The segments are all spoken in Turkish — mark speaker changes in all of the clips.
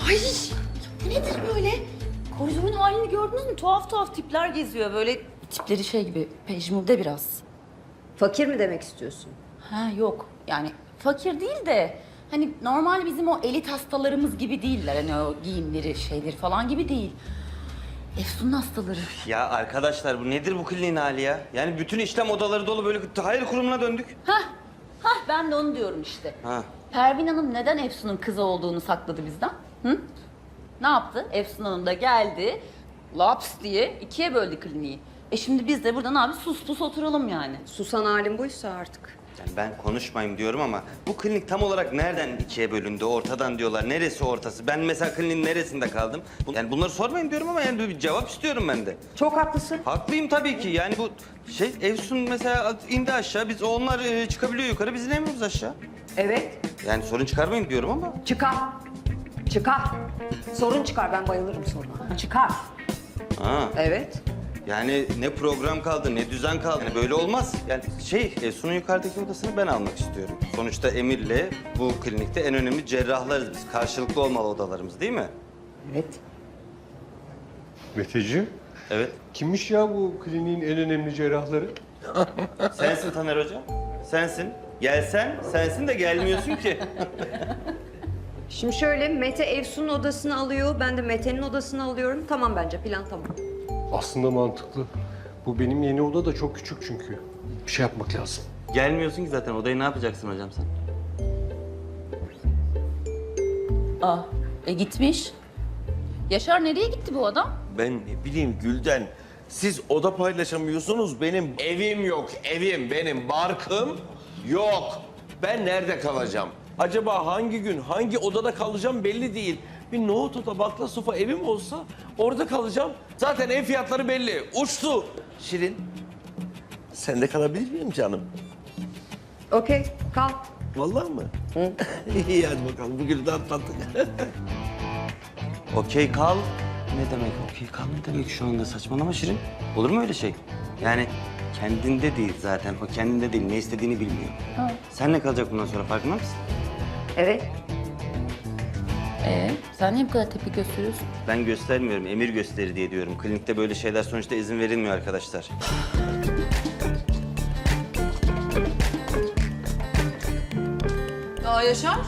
Speaker 1: Ay bu nedir böyle? Koridorun halini gördünüz mü? Tuhaf tuhaf tipler geziyor. Böyle tipleri şey gibi, pejmürde biraz.
Speaker 2: Fakir mi demek istiyorsun?
Speaker 1: Ha yok yani fakir değil de hani normal bizim o elit hastalarımız gibi değiller. Hani o giyimleri, şeyleri falan gibi değil. Efsun'un hastaları.
Speaker 3: Ya arkadaşlar bu nedir bu kliniğin hali ya? Yani bütün işlem odaları dolu böyle hayır kurumuna döndük.
Speaker 1: Hah ben de onu diyorum işte.
Speaker 3: Ha.
Speaker 1: Pervin Hanım neden Efsun'un kızı olduğunu sakladı bizden? Hı? Ne yaptı? Efsun Hanım da geldi, laps diye ikiye böldü kliniği. Şimdi biz de burada ne yapıyoruz? Sus pus oturalım yani.
Speaker 2: Susan halin buysa artık.
Speaker 3: Yani ben konuşmayayım diyorum ama bu klinik tam olarak nereden ikiye bölündü? Ortadan diyorlar. Neresi ortası? Ben mesela kliniğin neresinde kaldım? Yani bunları sormayın diyorum ama yani bir cevap istiyorum ben de.
Speaker 2: Çok haklısın.
Speaker 3: Haklıyım tabii ki. Yani bu şey Efsun mesela indi aşağı. Biz onlar çıkabiliyor yukarı. Biz inemiyoruz aşağı.
Speaker 2: Evet.
Speaker 3: Yani sorun çıkarmayın diyorum ama.
Speaker 2: Çıkar. Çıkar. Sorun çıkar. Ben bayılırım soruna. Çıkar.
Speaker 3: Ha.
Speaker 2: Evet.
Speaker 3: Yani ne program kaldı, ne düzen kaldı. Yani böyle olmaz. Yani Efsun'un yukarıdaki odasını ben almak istiyorum. Sonuçta Emir'le bu klinikte en önemli cerrahlarız biz. Karşılıklı olmalı odalarımız değil mi?
Speaker 2: Evet.
Speaker 4: Meteciğim,
Speaker 3: Evet.
Speaker 4: kimmiş ya bu kliniğin en önemli cerrahları?
Speaker 3: Sensin Taner Hocam. Sensin. Gelsen sensin de gelmiyorsun ki.
Speaker 2: Şimdi şöyle, Mete Efsun'un odasını alıyor. Ben de Mete'nin odasını alıyorum. Tamam bence. Plan tamam.
Speaker 4: Aslında mantıklı. Bu benim yeni oda da çok küçük çünkü. Bir şey yapmak lazım.
Speaker 3: Gelmiyorsun ki zaten. Odayı ne yapacaksın hocam sen?
Speaker 1: Gitmiş. Yaşar nereye gitti bu adam?
Speaker 5: Ben ne bileyim Gülden. Siz oda paylaşamıyorsunuz. Benim evim yok. Evim, benim barkım yok. Ben nerede kalacağım? Acaba hangi gün, hangi odada kalacağım belli değil. Bir nohut oda, bakla sofa evim olsa orada kalacağım. Zaten ev fiyatları belli. Uçtu. Şirin, sen de kalabilir miyim canım?
Speaker 2: Okey, kal.
Speaker 5: Vallahi mı? Hı? İyi hadi bakalım. Bugün de atlattık.
Speaker 3: Okey kal. Ne demek okey kal ne demek şu anda saçmalama Şirin. Olur mu öyle şey? Yani kendinde değil zaten. O kendinde değil. Ne istediğini bilmiyor. Senle kalacak bundan sonra farkında mısın?
Speaker 2: Evet.
Speaker 1: Sen niye bu kadar tepki gösteriyorsun?
Speaker 3: Ben göstermiyorum. Emir gösteri diye diyorum. Klinikte böyle şeyler sonuçta izin verilmiyor arkadaşlar.
Speaker 6: Aa Yaşar.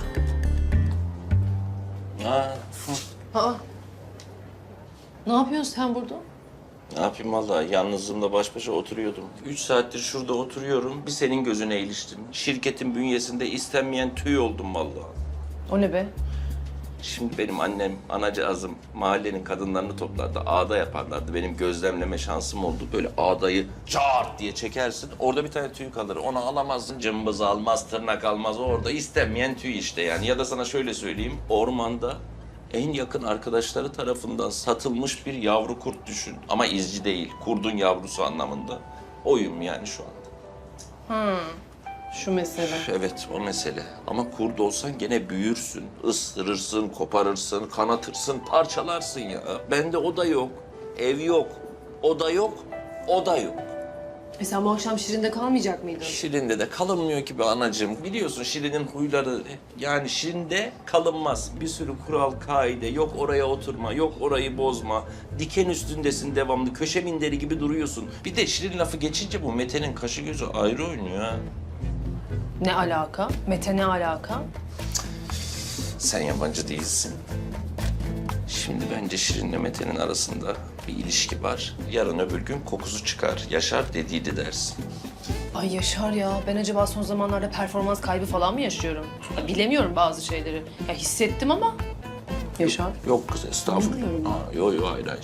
Speaker 5: Ha,
Speaker 6: Aa. Ne yapıyorsun sen burada?
Speaker 5: ne yapayım vallahi yalnızlığımda baş başa oturuyordum. 3 saattir şurada oturuyorum. Bir senin gözüne iliştim. Şirketin bünyesinde istenmeyen tüy oldum vallahi.
Speaker 6: O ne be?
Speaker 5: Şimdi benim annem, anacığızım mahallenin kadınlarını toplardı. Ağda yaparlardı. Benim gözlemleme şansım oldu. Böyle ağdayı çağırt diye çekersin. Orada bir tane tüy kalır. Onu alamazsın. Cımbız almaz, tırnak almaz. Orada istenmeyen tüy işte yani. Ya da sana şöyle söyleyeyim. Ormanda en yakın arkadaşları tarafından satılmış bir yavru kurt düşün. Ama izci değil. Kurdun yavrusu anlamında. Oyum yani şu anda.
Speaker 6: Şu mesele.
Speaker 5: Evet o mesele. Ama kurt olsan gene büyürsün. Isırırsın, koparırsın, kanatırsın, parçalarsın ya. Bende o da yok. Ev yok. Oda yok. Oda yok.
Speaker 6: Sen bu akşam Şirin'de kalmayacak mıydın?
Speaker 5: Şirin'de de kalınmıyor ki be anacığım. Biliyorsun Şirin'in huyları. Yani Şirin'de kalınmaz. Bir sürü kural, kaide. Yok oraya oturma, yok orayı bozma. Diken üstündesin devamlı. Köşe minderi gibi duruyorsun. Bir de Şirin lafı geçince bu Mete'nin kaşı gözü ayrı oynuyor ha.
Speaker 6: Ne alaka? Mete ne alaka?
Speaker 5: Sen yabancı değilsin. Şimdi bence Şirin'le Mete'nin arasında bir ilişki var. Yarın öbür gün kokusu çıkar. Yaşar dediydi dersin.
Speaker 6: Ay Yaşar ya, ben acaba son zamanlarda performans kaybı falan mı yaşıyorum? Ya, bilemiyorum bazı şeyleri. Ya hissettim ama. Yaşar.
Speaker 5: Yok kız estağfurullah. Yok hayır hayır.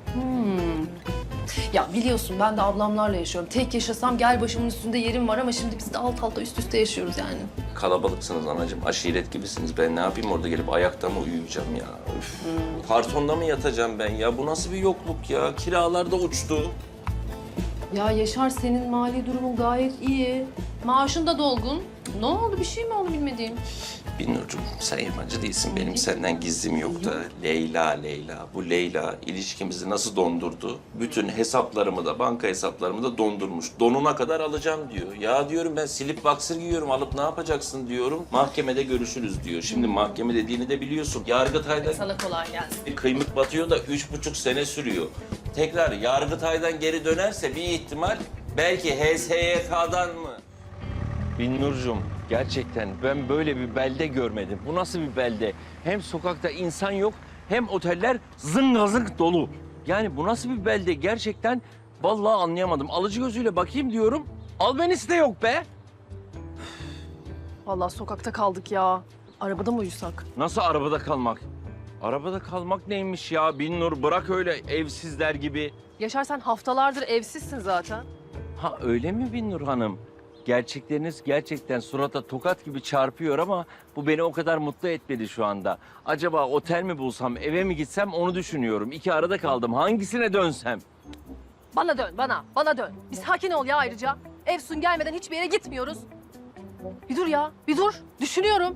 Speaker 6: Ya biliyorsun ben de ablamlarla yaşıyorum. Tek yaşasam gel başımın üstünde yerim var ama şimdi biz de alt alta üst üste yaşıyoruz yani.
Speaker 5: Kalabalıksınız anacığım, aşiret gibisiniz. Ben ne yapayım orada gelip ayakta mı uyuyacağım ya? Üf. Kartonda mı yatacağım ben ya? Bu nasıl bir yokluk ya? Kiralar da uçtu.
Speaker 6: Ya Yaşar, senin mali durumun gayet iyi. Maaşın da dolgun. Ne oldu? Bir şey mi oldu bilmediğim?
Speaker 5: Binnurcuğum sen yabancı değilsin. Benim senden gizlim yok da. Leyla. Bu Leyla ilişkimizi nasıl dondurdu? Bütün hesaplarımı da, banka hesaplarımı da dondurmuş. Donuna kadar alacağım diyor. Ya diyorum ben slip boxer giyiyorum. Alıp ne yapacaksın diyorum. Mahkemede görüşürüz diyor. Şimdi mahkeme dediğini de biliyorsun. Yargıtay'da
Speaker 6: Sana kolay gelsin.
Speaker 5: bir kıymık batıyor da 3,5 sene sürüyor. Tekrar Yargıtay'dan geri dönerse bir ihtimal belki HSYK'dan mı? Binnurcuğum gerçekten ben böyle bir belde görmedim. Bu nasıl bir belde? Hem sokakta insan yok hem oteller zıngazıng dolu. Yani bu nasıl bir belde gerçekten vallahi anlayamadım. Alıcı gözüyle bakayım diyorum. Albenisi de yok be.
Speaker 6: Vallahi sokakta kaldık ya. Arabada mı uyusak?
Speaker 5: Nasıl arabada kalmak? Arabada kalmak neymiş ya Binnur? Bırak öyle evsizler gibi.
Speaker 6: Yaşar, sen haftalardır evsizsin zaten.
Speaker 5: Ha öyle mi Binnur Hanım? Gerçekleriniz gerçekten surata tokat gibi çarpıyor ama bu beni o kadar mutlu etmedi şu anda. Acaba otel mi bulsam, eve mi gitsem onu düşünüyorum. İki arada kaldım. Hangisine dönsem?
Speaker 6: Bana dön, bana dön. Bir sakin ol ya ayrıca. Efsun gelmeden hiçbir yere gitmiyoruz. Bir dur ya, bir dur. Düşünüyorum.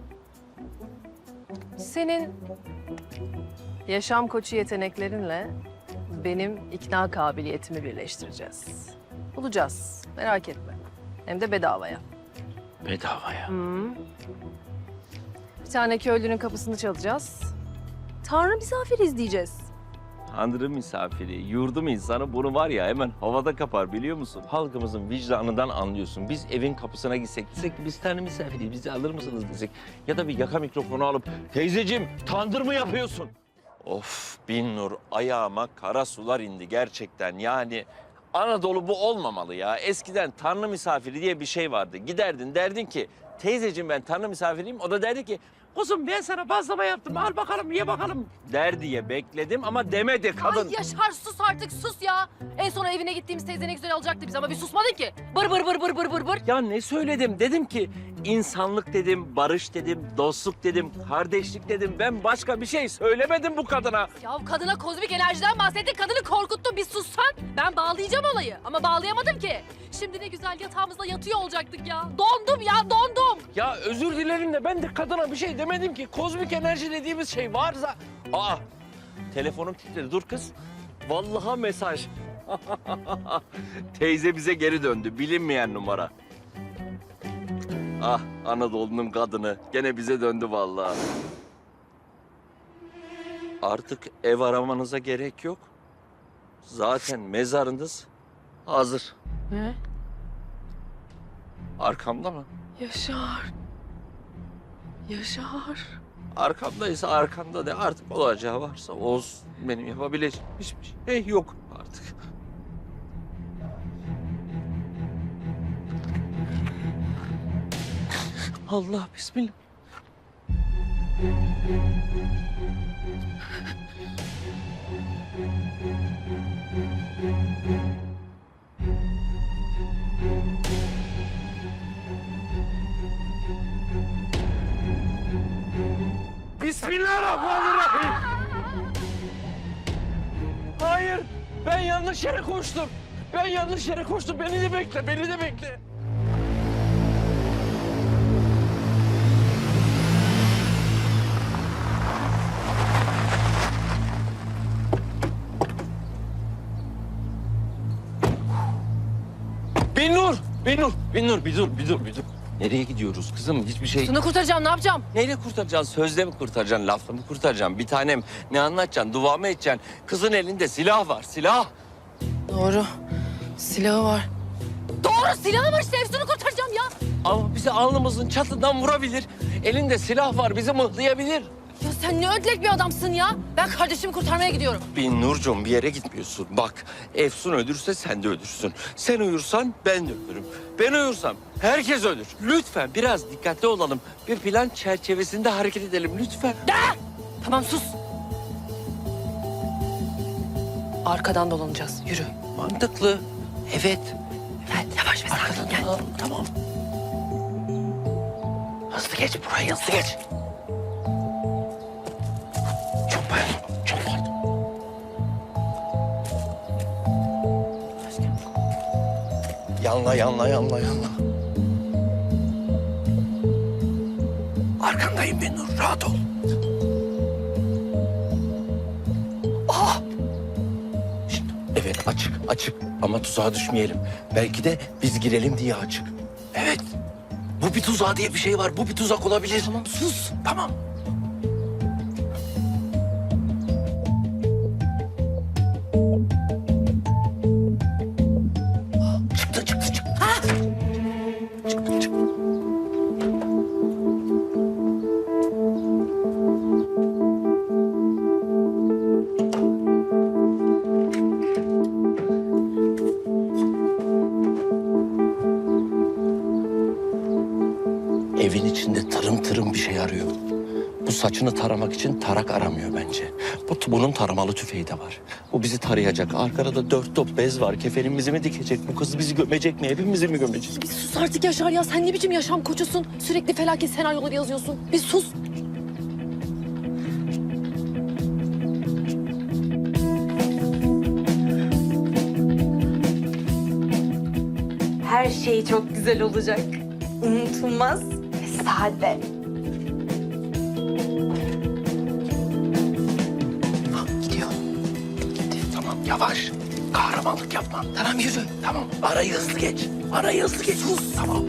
Speaker 6: Senin yaşam koçu yeteneklerinle benim ikna kabiliyetimi birleştireceğiz. Bulacağız, merak etme. Hem de bedavaya.
Speaker 5: Bedavaya.
Speaker 6: Bir tane köylünün kapısını çalacağız. Tanrı misafiriz diyeceğiz.
Speaker 5: Tanrı misafiri, yurdum insanı bunu var ya hemen havada kapar biliyor musun? Halkımızın vicdanından anlıyorsun. Biz evin kapısına desek ki biz Tanrı misafiriyiz, bizi alır mısınız desek. Ya da bir yaka mikrofonu alıp teyzeciğim tandır mı yapıyorsun? Of Binnur ayağıma kara sular indi gerçekten yani. Anadolu bu olmamalı ya. Eskiden Tanrı misafiri diye bir şey vardı. Giderdin derdin ki teyzeciğim ben Tanrı misafiriyim. O da derdi ki kuzum ben sana bazlama yaptım al bakalım ye bakalım der diye bekledim ama demedi kadın.
Speaker 6: Ay Yaşar, sus artık, sus ya. En son evine gittiğimiz teyze ne güzel alacaktı bizi ama bir susmadın ki. Bır bır bır bır bır bır bır.
Speaker 5: Ya ne söyledim? Dedim ki insanlık dedim, barış dedim, dostluk dedim, kardeşlik dedim. Ben başka bir şey söylemedim bu kadına.
Speaker 6: Ya kadına kozmik enerjiden bahsettin, kadını korkuttun. Bir sussan ben bağlayacağım olayı ama bağlayamadım ki. Şimdi ne güzel yatağımızda yatıyor olacaktık ya. Dondum ya, dondum.
Speaker 5: Ya özür dilerim de ben de kadına bir şey demedim ki. Kozmik enerji dediğimiz şey varsa... Aa, telefonum titredi. Dur kız. Vallahi mesaj. Teyze bize geri döndü. Bilinmeyen numara. Ah, Anadolu'nun kadını. Gene bize döndü vallahi. Artık ev aramanıza gerek yok. Zaten mezarınız hazır.
Speaker 6: Ne?
Speaker 5: Arkamda mı?
Speaker 6: Yaşar. Yaşar.
Speaker 5: Arkamdaysa arkanda de artık olacağı varsa olsun. Benim yapabileceğim hiçbir şey yok artık. Allah bismillah. Bismillahirrahmanirrahim. Hayır, ben yanlış yere koştum. Ben yanlış yere koştum. Beni de bekle, beni de bekle. Binnur, bir dur. Nereye gidiyoruz kızım? Hiçbir şey...
Speaker 6: Şunu kurtaracağım, ne yapacağım?
Speaker 5: Neyle kurtaracaksın? Sözle mi kurtaracaksın? Lafla mı kurtaracaksın? Bir tanem ne anlatacaksın? Dua mı edeceksin? Kızın elinde silah var, silah.
Speaker 6: Doğru. Silahı var. Doğru, silahı var işte. Efsun'u kurtaracağım ya.
Speaker 5: Ama bizi alnımızın çatından vurabilir. Elinde silah var, bizi mıhlayabilir.
Speaker 6: Ya sen ne ödlek bir adamsın ya. Ben kardeşimi kurtarmaya gidiyorum.
Speaker 5: Binnurcuğum bir yere gitmiyorsun. Bak Efsun ölürse sen de ölürsün. Sen uyursan ben de ölürüm. Ben uyursam herkes ölür. Lütfen biraz dikkatli olalım. Bir plan çerçevesinde hareket edelim lütfen.
Speaker 6: Tamam, sus. Arkadan dolanacağız. Yürü.
Speaker 5: Mantıklı. Evet.
Speaker 6: Gel, yavaş ve sakin gel.
Speaker 5: Tamam. Hızlı geç buraya, hızlı geç. Çok pardon, çok pardon. yanla. Arkandayım Binnur, rahat ol. Şimdi, evet açık ama tuzağa düşmeyelim. Belki de biz girelim diye açık. Evet. Bu bir tuzağı diye bir şey var. Bu bir tuzak olabilir. Tamam sus. Tamam. Çıktı. Ha! Çıktı. Evin içinde tırım bir şey arıyor. Bu saçını taramak için tarak aramıyor bence. Bunun taramalı tüfeği de var. Bu bizi tarayacak. Arkada da 4 top bez var. Kefenimizi mi dikecek? Bu kız bizi gömecek mi? Hepimizi mi gömecek?
Speaker 6: Bir sus artık Yaşar ya. Sen ne biçim yaşam koçusun? Sürekli felaket senaryoları yazıyorsun. Bir sus.
Speaker 7: Her şey çok güzel olacak. Unutulmaz ve sade.
Speaker 5: Gidiyor. Gitti. Tamam yavaş. Kahramanlık yapma. Tamam yürü. Tamam. Arayı hızlı geç. Sus. Tamam.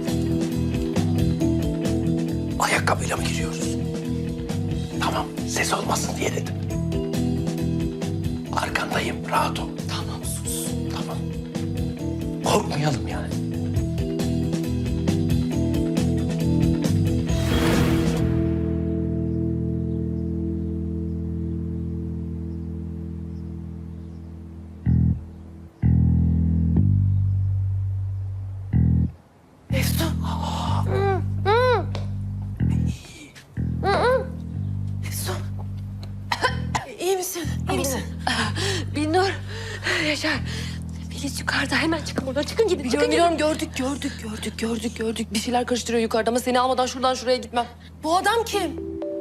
Speaker 5: Ayakkabıyla mı giriyoruz? Tamam. Ses olmasın diye dedim. Arkandayım. Rahat ol. Tamam sus. Tamam. Korkmayalım yani.
Speaker 6: İyi misin? Binnur, Yaşar. Filiz yukarıda. Hemen çıkın buradan. Çıkın gidin. Biliyorum. Gördük. Bir şeyler karıştırıyor yukarıda ama seni almadan şuradan şuraya gitmem. Bu adam kim?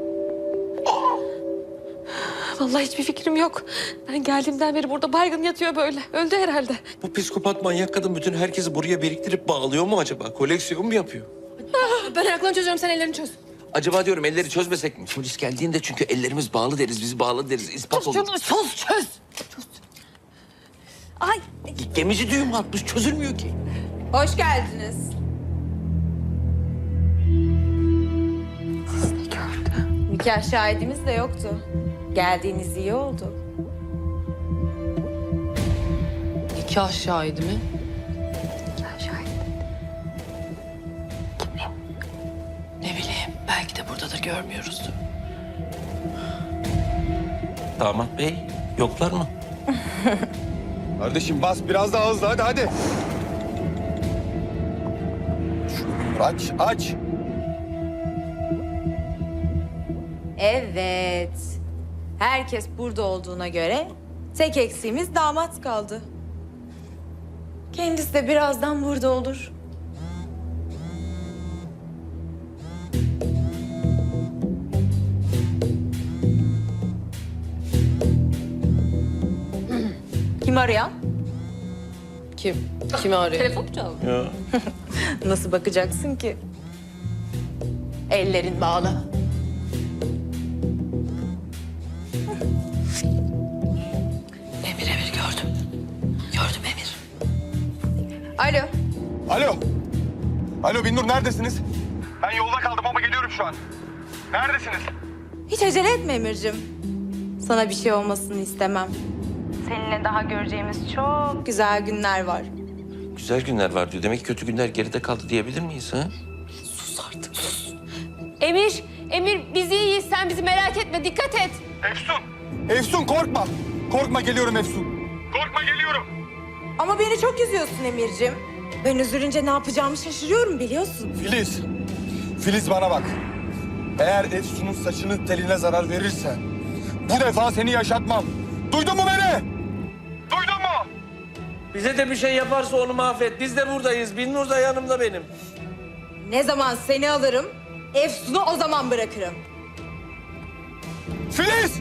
Speaker 6: Vallahi hiçbir fikrim yok. Ben geldiğimden beri burada baygın yatıyor böyle. Öldü herhalde.
Speaker 5: Bu psikopat manyak kadın bütün herkesi buraya biriktirip bağlıyor mu acaba? Koleksiyon mu yapıyor?
Speaker 6: Ben ayaklarını çözüyorum, sen ellerini çöz.
Speaker 5: Acaba diyorum elleri çözmesek mi? Polis geldiğinde çünkü ellerimiz bağlı deriz, bizi bağlı deriz. İspat olur.
Speaker 6: Çöz. Ay.
Speaker 5: Gemici düğüm atmış, çözülmüyor ki.
Speaker 7: Hoş geldiniz. Nikah şahidimiz de yoktu. Geldiğiniz iyi oldu.
Speaker 6: Nikah şahidi mi?
Speaker 7: Nikah şahidi.
Speaker 6: Ne bileyim, belki de buradadır, görmüyoruzdur.
Speaker 5: Damat bey, yoklar mı?
Speaker 8: Kardeşim bas biraz daha hızlı hadi. Aç.
Speaker 7: Evet. Herkes burada olduğuna göre tek eksiğimiz damat kaldı. Kendisi de birazdan burada olur. Kim arayan?
Speaker 6: Kim? Kimi arıyor? Telefon mu çaldı?
Speaker 5: Ya.
Speaker 7: Nasıl bakacaksın ki? Ellerin bağlı.
Speaker 6: Emir gördüm. Gördüm Emir.
Speaker 7: Alo.
Speaker 8: Alo Binnur neredesiniz? Ben yolda kaldım ama geliyorum şu an. Neredesiniz?
Speaker 7: Hiç acele etme Emir'cim. Sana bir şey olmasını istemem. Seninle daha göreceğimiz çok güzel günler var.
Speaker 5: Güzel günler var diyor. Demek ki kötü günler geride kaldı diyebilir miyiz ha?
Speaker 6: Sus artık, sus. Emir biz iyiyiz. Sen bizi merak etme, dikkat et.
Speaker 8: Efsun korkma. Korkma geliyorum Efsun. Korkma geliyorum.
Speaker 7: Ama beni çok üzüyorsun Emir'cim. Ben üzülünce ne yapacağımı şaşırıyorum biliyorsun.
Speaker 8: Filiz bana bak. Eğer Efsun'un saçının teline zarar verirsen bu defa seni yaşatmam. Duydun mu beni? Duydun mu?
Speaker 5: Bize de bir şey yaparsa onu mahvet. Biz de buradayız. Binnur da yanımda benim.
Speaker 7: Ne zaman seni alırım, Efsun'u o zaman bırakırım.
Speaker 8: Filiz!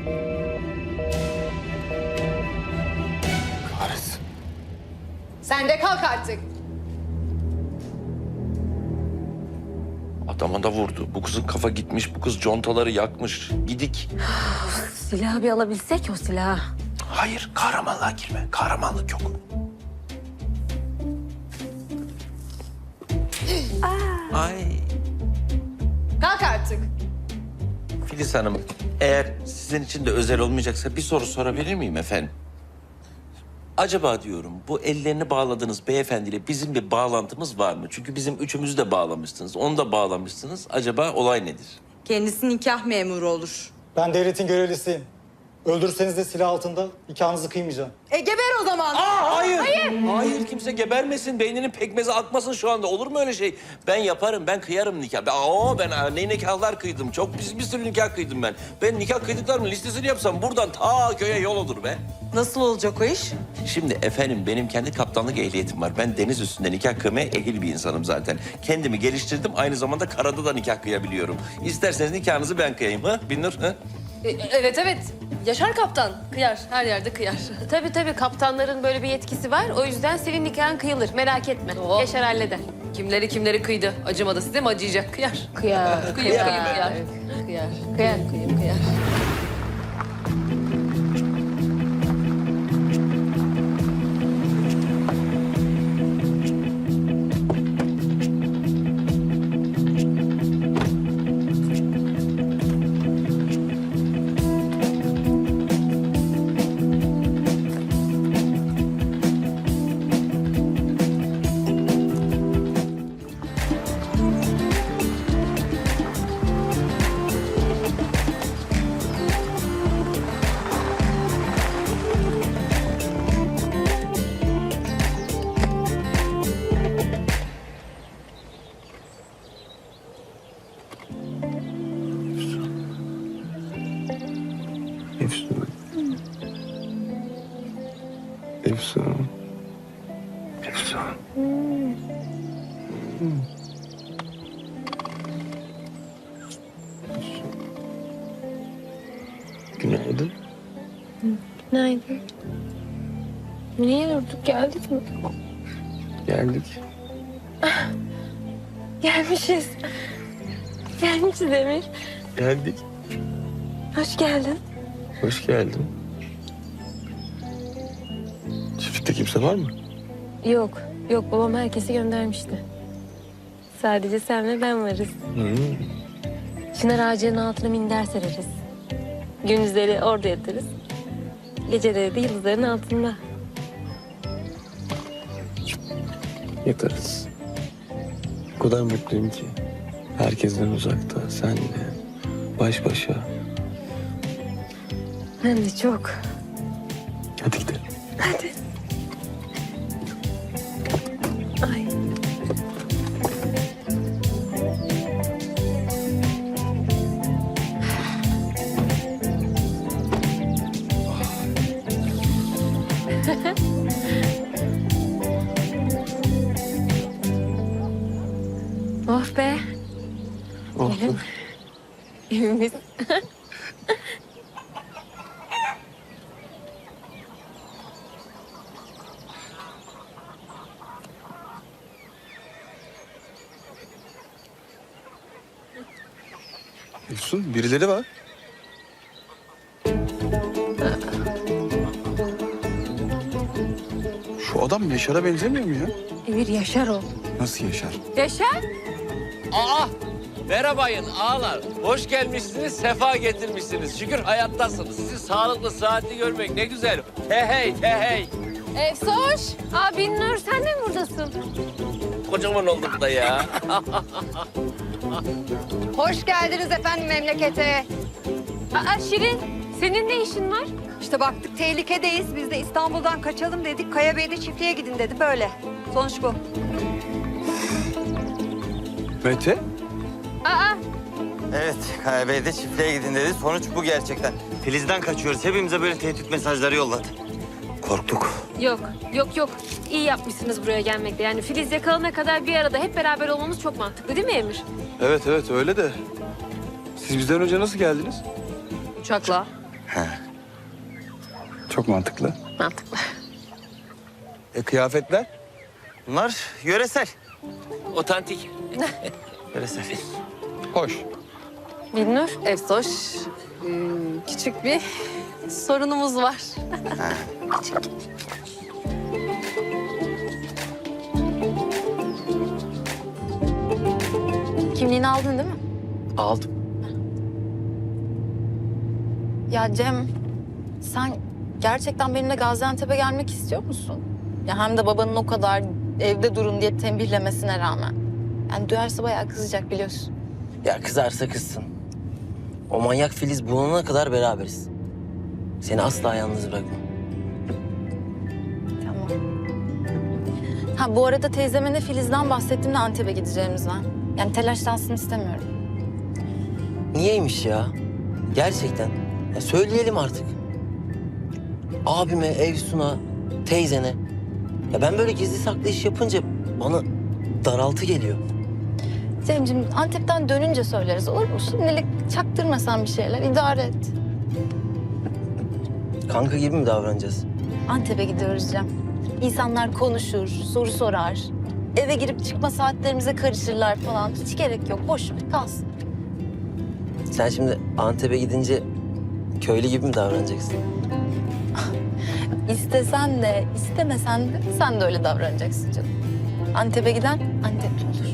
Speaker 8: Kahretsin.
Speaker 7: Sen de kalk artık.
Speaker 5: Adama da vurdu. Bu kızın kafa gitmiş, bu kız contaları yakmış. Gidik.
Speaker 6: Silahı bir alabilsek o silahı.
Speaker 5: Hayır, kahramanlığa girme. Kahramanlık yok. Ay.
Speaker 6: Kalk artık.
Speaker 5: Filiz Hanım, eğer sizin için de özel olmayacaksa bir soru sorabilir miyim efendim? Acaba diyorum bu ellerini bağladığınız beyefendiyle bizim bir bağlantımız var mı? Çünkü bizim üçümüzü de bağlamışsınız, onu da bağlamışsınız. Acaba olay nedir?
Speaker 7: Kendisi nikah memuru olur.
Speaker 9: Ben devletin görevlisiyim. Öldürseniz de silah altında nikahınızı kıymayacağım.
Speaker 7: Geber o zaman.
Speaker 5: Hayır. Hayır, kimse gebermesin, beyninin pekmezi akmasın şu anda. Olur mu öyle şey? Ben yaparım, ben kıyarım nikah. Ben ne nikahlar kıydım. Çok bir sürü nikah kıydım ben. Ben nikah kıydıklarımın listesini yapsam buradan ta köye yol olur be.
Speaker 7: Nasıl olacak o iş?
Speaker 5: Şimdi efendim benim kendi kaptanlık ehliyetim var. Ben deniz üstünde nikah kıymaya ehil bir insanım zaten. Kendimi geliştirdim, aynı zamanda karada da nikah kıyabiliyorum. İsterseniz nikahınızı ben kıyayım ha Binnur ha?
Speaker 6: Evet evet. Yaşar kaptan kıyar. Her yerde kıyar. Tabii kaptanların böyle bir yetkisi var. O yüzden senin nikahın kıyılır. Merak etme. Yaşar halleder. Kimleri kıydı. Acımadı size mi acıyacak? Kıyar. Kıyar. Kıyar.
Speaker 8: Efsun. Efsun. Efsun. Günaydın.
Speaker 6: Günaydın. Niye durduk? Geldik mi?
Speaker 8: Geldik.
Speaker 6: Gelmişiz. Gelmişiz Emir.
Speaker 8: Geldik.
Speaker 6: Hoş geldin.
Speaker 8: Hoş geldin. Çiftlikte kimse var mı?
Speaker 6: Yok babam herkesi göndermişti. Sadece sen ve ben varız. Çınar ağacının altına minder sereriz. Gündüzleri orada yatarız. Geceleri de yıldızların altında.
Speaker 8: Yatarız. O kadar mutluyum ki. Herkesten uzakta, senle, baş başa.
Speaker 6: Ben de çok.
Speaker 8: Hadi gidelim.
Speaker 6: Hadi. Ay. Oh be.
Speaker 8: Oldu.
Speaker 6: Evimiz.
Speaker 8: Efsun, birileri var. Şu adam Yaşar'a benzemiyor mu ya?
Speaker 6: Emir Yaşar o.
Speaker 8: Nasıl Yaşar?
Speaker 6: Yaşar?
Speaker 5: Aa! Merhabayın ağalar. Hoş gelmişsiniz, sefa getirmişsiniz. Şükür hayattasınız. Sizi sağlıklı, sıhhatli görmek ne güzel. He hey.
Speaker 6: Efsoş. Binnur sen de mi buradasın?
Speaker 5: Kocaman olduk da ya.
Speaker 2: Hoş geldiniz efendim memlekete.
Speaker 6: Şirin senin ne işin var?
Speaker 2: İşte baktık tehlikedeyiz. Biz de İstanbul'dan kaçalım dedik. Kaya Bey de çiftliğe gidin dedi böyle. Sonuç bu.
Speaker 8: Mete?
Speaker 3: Evet, Kaya Bey de çiftliğe gidin dedi. Sonuç bu gerçekten. Filiz'den kaçıyoruz. Hepimize böyle tehdit mesajları yolladı. Korktuk.
Speaker 6: Yok. İyi yapmışsınız buraya gelmekle. Yani Filiz yakalana kadar bir arada hep beraber olmamız çok mantıklı değil mi Emir?
Speaker 8: Evet öyle de. Siz bizden önce nasıl geldiniz?
Speaker 6: Uçakla.
Speaker 8: Çok mantıklı.
Speaker 6: Mantıklı.
Speaker 8: Kıyafetler?
Speaker 3: Bunlar yöresel.
Speaker 5: Otantik.
Speaker 3: Yöresel.
Speaker 8: Hoş.
Speaker 6: Binnur, Efsoş. Küçük bir sorunumuz var. Kimliğini aldın değil mi?
Speaker 10: Aldım.
Speaker 7: Ya Cem, sen gerçekten benimle Gaziantep'e gelmek istiyor musun? Ya hem de babanın o kadar evde durun diye tembihlemesine rağmen. Yani duyarsa bayağı kızacak biliyorsun.
Speaker 10: Ya kızarsa kızsın. O manyak Filiz bulunana kadar beraberiz. Seni asla yalnız bırakmam.
Speaker 7: Tamam. Ha bu arada teyzeme de Filiz'den bahsettim de Antep'e gideceğimizden. Yani telaşlansın istemiyorum.
Speaker 10: Niyeymiş ya? Gerçekten. Ya söyleyelim artık. Abime, Efsun'a, teyzene. Ya ben böyle gizli saklı iş yapınca bana daraltı geliyor.
Speaker 7: Cemciğim Antep'ten dönünce söyleriz olur mu? Şimdilik çaktırmasan bir şeyler idare et.
Speaker 10: Kanka gibi mi davranacağız?
Speaker 7: Antep'e gidiyoruz Cem. İnsanlar konuşur, soru sorar. Eve girip çıkma saatlerimize karışırlar falan. Hiç gerek yok. Boş ver, kalsın.
Speaker 10: Sen şimdi Antep'e gidince köylü gibi mi davranacaksın?
Speaker 7: İstesen de, istemesen de sen de öyle davranacaksın canım. Antep'e giden Antepli olur.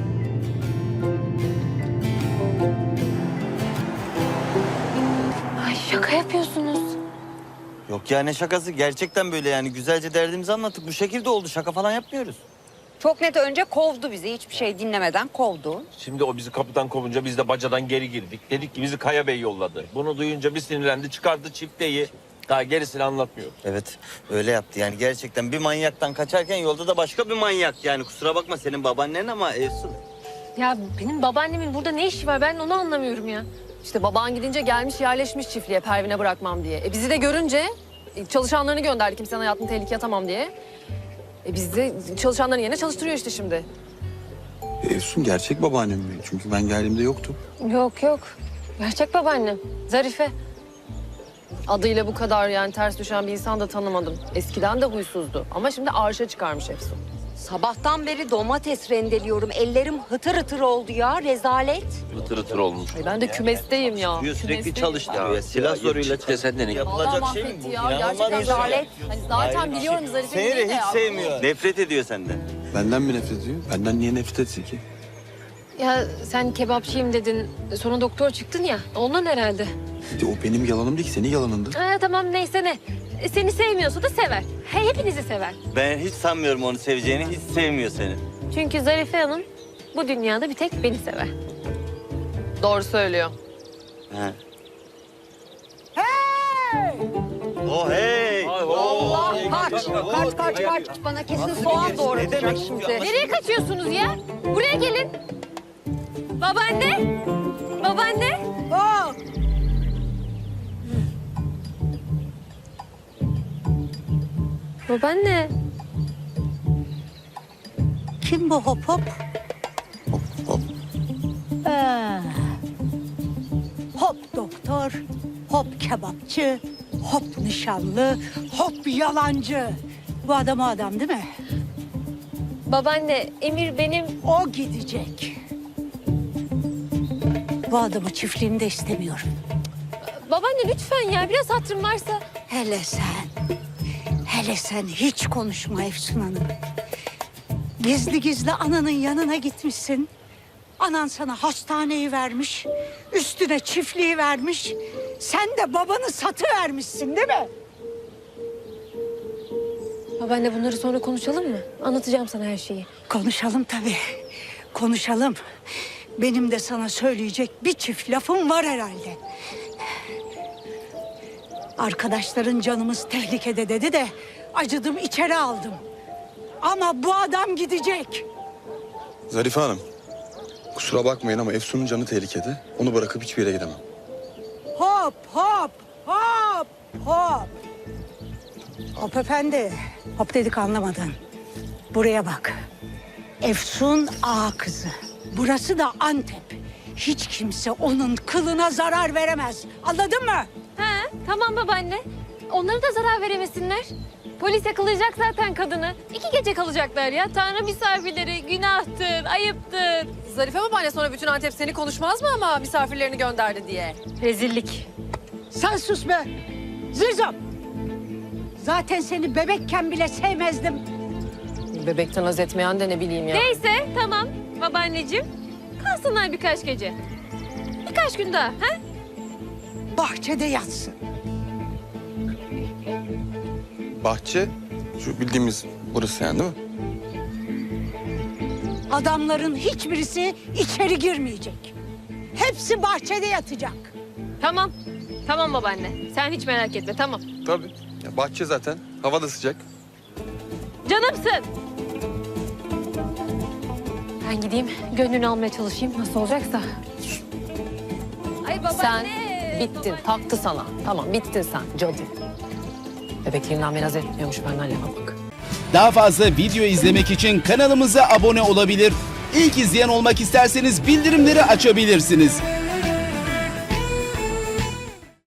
Speaker 6: Ay şaka yapıyorsunuz.
Speaker 3: Yok ya ne şakası gerçekten böyle yani güzelce derdimizi anlattık. Bu şekilde oldu şaka falan yapmıyoruz.
Speaker 2: Çok net önce kovdu bizi. Hiçbir şey dinlemeden kovdu.
Speaker 5: Şimdi o bizi kapıdan kovunca biz de bacadan geri girdik. Dedik ki bizi Kaya Bey yolladı. Bunu duyunca bir sinirlendi, çıkardı çifteyi. Daha gerisini anlatmıyor.
Speaker 3: Evet öyle yaptı yani gerçekten bir manyaktan kaçarken yolda da başka bir manyak yani kusura bakma senin babaannen ama Efsun.
Speaker 6: Ya benim babaannemin burada ne işi var ben onu anlamıyorum ya. İşte baban gidince gelmiş yerleşmiş çiftliğe Pervin'e bırakmam diye. Bizi de görünce çalışanlarını gönderdi kimsenin hayatını tehlikeye atamam diye. Biz de çalışanların yerine çalıştırıyor işte şimdi.
Speaker 8: Efsun gerçek babaannem mi? Çünkü ben geldiğimde yoktu.
Speaker 6: Yok yok. Gerçek babaannem. Zarife. Adıyla bu kadar yani ters düşen bir insan da tanımadım. Eskiden de huysuzdu ama şimdi arşa çıkarmış Efsun.
Speaker 2: Sabahtan beri domates rendeliyorum. Ellerim hıtır hıtır oldu ya. Rezalet.
Speaker 5: Hıtır hıtır olmuş.
Speaker 6: Ay ben de kümesteyim ya.
Speaker 3: Sürekli
Speaker 6: Kümesteyim.
Speaker 3: çalıştırıyor ya silah zoruyla
Speaker 5: çifte senden iyi.
Speaker 3: yapılacak
Speaker 6: Vallahi
Speaker 3: şey mi
Speaker 6: mahvetti
Speaker 3: bu?
Speaker 6: ya.
Speaker 3: İnanılmaz
Speaker 6: Gerçekten
Speaker 3: bir şey.
Speaker 6: rezalet. Hani zaten
Speaker 3: Hayır,
Speaker 6: biliyorum Zarife'yi
Speaker 3: Seni de
Speaker 6: ya.
Speaker 3: hiç sevmiyor. Nefret ediyor senden.
Speaker 8: Benden mi nefret ediyor? Benden niye nefret etsin ki?
Speaker 6: Ya sen kebapçıyım dedin. Sonra doktor çıktın ya. Ondan herhalde.
Speaker 8: O benim yalanım değil ki, senin yalanındı.
Speaker 6: Tamam neyse ne. Seni sevmiyorsa da sever. Hepinizi sever.
Speaker 3: Ben hiç sanmıyorum onu seveceğini hiç sevmiyor seni.
Speaker 6: Çünkü Zarife Hanım bu dünyada bir tek beni sever. Doğru söylüyor.
Speaker 3: He. Oh hey!
Speaker 2: Allah kaç. Bana kesin soğan doğratacak şimdi.
Speaker 6: Nereye kaçıyorsunuz ya? Buraya gelin. Babaanne. Babaanne. Babaanne.
Speaker 11: Kim bu hop hop? Hop doktor, hop kebapçı, hop nişanlı, hop yalancı. Bu adam o adam değil mi?
Speaker 6: Babaanne, Emir benim...
Speaker 11: O gidecek. Bu adamı çiftliğinde istemiyorum.
Speaker 6: Babaanne lütfen ya, biraz hatırın varsa.
Speaker 11: Hele sen hiç konuşma Efsun Hanım. Gizli gizli ananın yanına gitmişsin. Anan sana hastaneyi vermiş, üstüne çiftliği vermiş. Sen de babanı satıvermişsin değil mi?
Speaker 6: Babaanne bunları sonra konuşalım mı? Anlatacağım sana her şeyi.
Speaker 11: Konuşalım tabii, konuşalım. Benim de sana söyleyecek bir çift lafım var herhalde. Arkadaşların canımız tehlikede dedi de acıdım içeri aldım. Ama bu adam gidecek.
Speaker 8: Zarife Hanım, kusura bakmayın ama Efsun'un canı tehlikede. Onu bırakıp hiçbir yere gidemem.
Speaker 11: Hop hop hop hop. Hop efendi. Hop dedik anlamadın. Buraya bak. Efsun ağa kızı. Burası da Antep. Hiç kimse onun kılına zarar veremez. Anladın mı?
Speaker 6: He, tamam babaanne. Onlara da zarar veremesinler. Polis yakalayacak zaten kadını. 2 gece kalacaklar ya. Tanrı misafirleri, günahtır, ayıptır. Zarife babaanne sonra bütün Antep seni konuşmaz mı ama misafirlerini gönderdi diye? Rezillik.
Speaker 11: Sen sus be. Zirzom. Zaten seni bebekken bile sevmezdim.
Speaker 6: Bebekten haz etmeyen de ne bileyim ya.
Speaker 12: Neyse tamam babaanneciğim. Kalsınlar birkaç gece. Birkaç gün daha. Ha?
Speaker 11: Bahçede yatsın.
Speaker 8: Bahçe, şu bildiğimiz burası yani değil mi?
Speaker 11: Adamların hiçbirisi içeri girmeyecek. Hepsi bahçede yatacak.
Speaker 12: Tamam. Tamam babaanne. Sen hiç merak etme tamam.
Speaker 8: Tabii. Ya bahçe zaten. Hava da sıcak.
Speaker 12: Canımsın. Ben gideyim gönlünü almaya çalışayım nasıl olacaksa. Ay
Speaker 6: Sen
Speaker 12: babaanne.
Speaker 6: bittin, taktı sana. Tamam, bittin sen cadı. Bebekliğinden beni haz etmiyormuş benden yana bak.
Speaker 13: Daha fazla video izlemek için kanalımıza abone olabilir. İlk izleyen olmak isterseniz bildirimleri açabilirsiniz.